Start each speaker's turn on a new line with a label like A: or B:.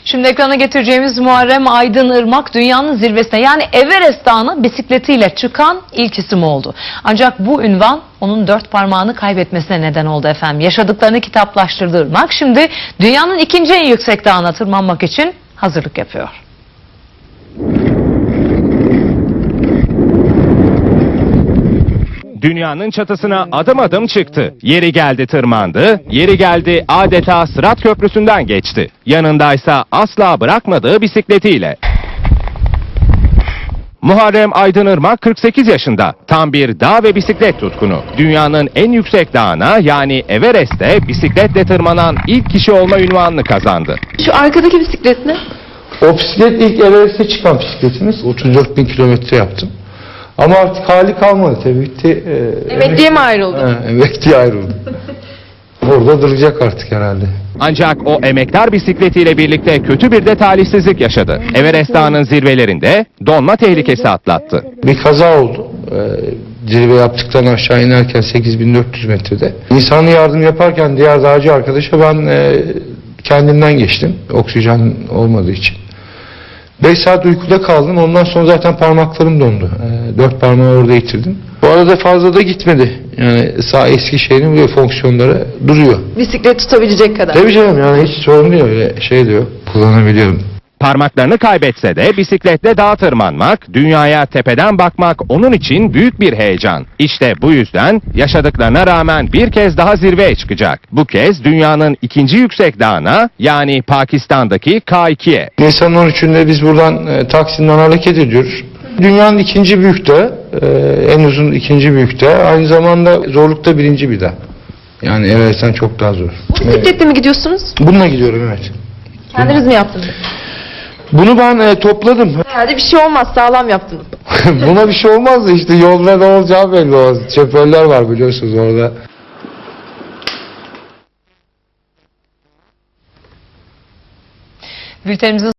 A: Şimdi ekrana getireceğimiz Muharrem Aydınırmak dünyanın zirvesine yani Everest Dağı'na bisikletiyle çıkan ilk isim oldu. Ancak bu ünvan onun 4 parmağını kaybetmesine neden oldu efendim. Yaşadıklarını kitaplaştırdı Irmak şimdi dünyanın ikinci en yüksek dağına tırmanmak için hazırlık yapıyor.
B: Dünyanın çatısına adım adım çıktı. Yeri geldi tırmandı, yeri geldi adeta Sırat Köprüsü'nden geçti. Yanındaysa asla bırakmadığı bisikletiyle. Muharrem Aydınırmak 48 yaşında. Tam bir dağ ve bisiklet tutkunu. Dünyanın en yüksek dağına yani Everest'te bisikletle tırmanan ilk kişi olma unvanını kazandı.
C: Şu arkadaki bisiklet ne?
D: O bisiklet ilk Everest'e çıkan bisikletimiz. 34 bin kilometre yaptım. Ama artık hali kalmadı tabii. Bitti.
C: Emekliye mi ayrıldı?
D: Emekliye ayrıldı. Orada duracak artık herhalde.
B: Ancak o emektar bisikletiyle birlikte kötü bir de talihsizlik yaşadı. Everest Dağı'nın zirvelerinde donma tehlikesi atlattı.
D: Bir kaza oldu. Zirve yaptıktan aşağı inerken 8400 metrede. İnsani yardım yaparken diğer dağcı arkadaşa ben kendimden geçtim. Oksijen olmadığı için. 5 saat uykuda kaldım. Ondan sonra zaten parmaklarım dondu. 4 parmağı orada yitirdim. Bu arada fazla da gitmedi. Yani sağ Eskişehir'in böyle fonksiyonları duruyor.
C: Bisiklet tutabilecek kadar.
D: Tabii canım yani hiç sorun değil öyle şey diyor. Kullanabiliyorum.
B: Parmaklarını kaybetse de bisikletle dağa tırmanmak, dünyaya tepeden bakmak onun için büyük bir heyecan. İşte bu yüzden yaşadıklarına rağmen bir kez daha zirveye çıkacak. Bu kez dünyanın ikinci yüksek dağına yani Pakistan'daki K2'ye.
D: Nisan 13'ünde biz buradan Taksim'den hareket ediyoruz. Dünyanın ikinci büyük dağı, en uzun ikinci büyük dağı. Aynı zamanda zorlukta birinci bir dağ. Yani Everest'ten çok daha zor.
C: Bu bisikletle mi gidiyorsunuz?
D: Bununla gidiyorum evet.
C: Kendiniz mi yaptınız?
D: Bunu ben topladım.
C: Herhalde bir şey olmaz, sağlam yaptınız.
D: Buna bir şey olmaz da işte yolda ne olacağı belli olmaz. Şoförler var biliyorsunuz orada.
A: Bültenimizin